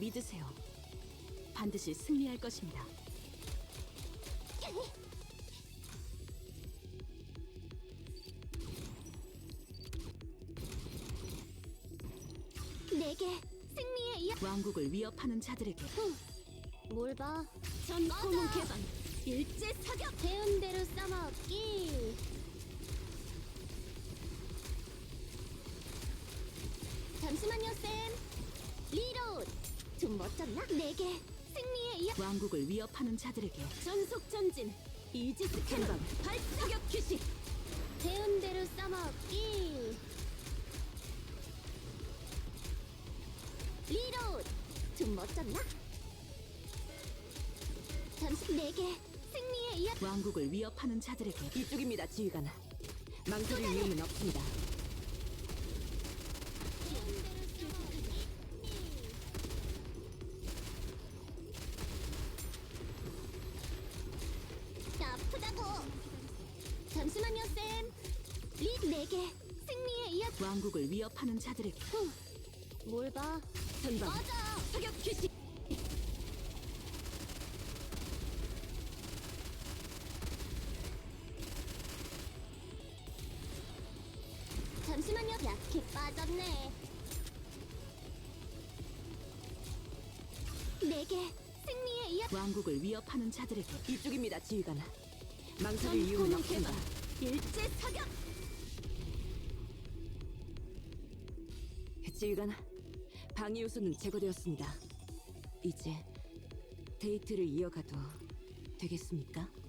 믿으세요. 반드시 승리할 것입니다. 내게 승리의 이야. 왕국을 위협하는 자들에게 뭘 봐? 전포문 개방, 일제 사격. 배운 대로 써먹기. 잠시만요, 쌤. 리로드. 좀 멋졌나? 내게 승리의 이야. 왕국을 위협하는 자들에게 전속 전진. 이지스 캔방, 발사격 규식. 배운 대로 써먹기. 리로드. 좀 멋졌나? 잠시 내게 승리의 이야. 왕국을 위협하는 자들에게 이쪽입니다, 지휘관. 망설일 이유는 없습니다. 아프다고. 잠시만요, 쌤. 내게 승리의 이야. 왕국을 위협하는 자들에게 뭘 봐? 전방 맞아. 사격 규식. 잠시만요. 약해 빠졌네. 내게 승리의 이야. 왕국을 위협하는 자들에게 이쪽입니다, 지휘관. 망설일 이유는 전포문 없습니다. 개방, 일제 사격. 지휘관, 방위 요소는 제거되었습니다. 이제 데이트를 이어가도 되겠습니까?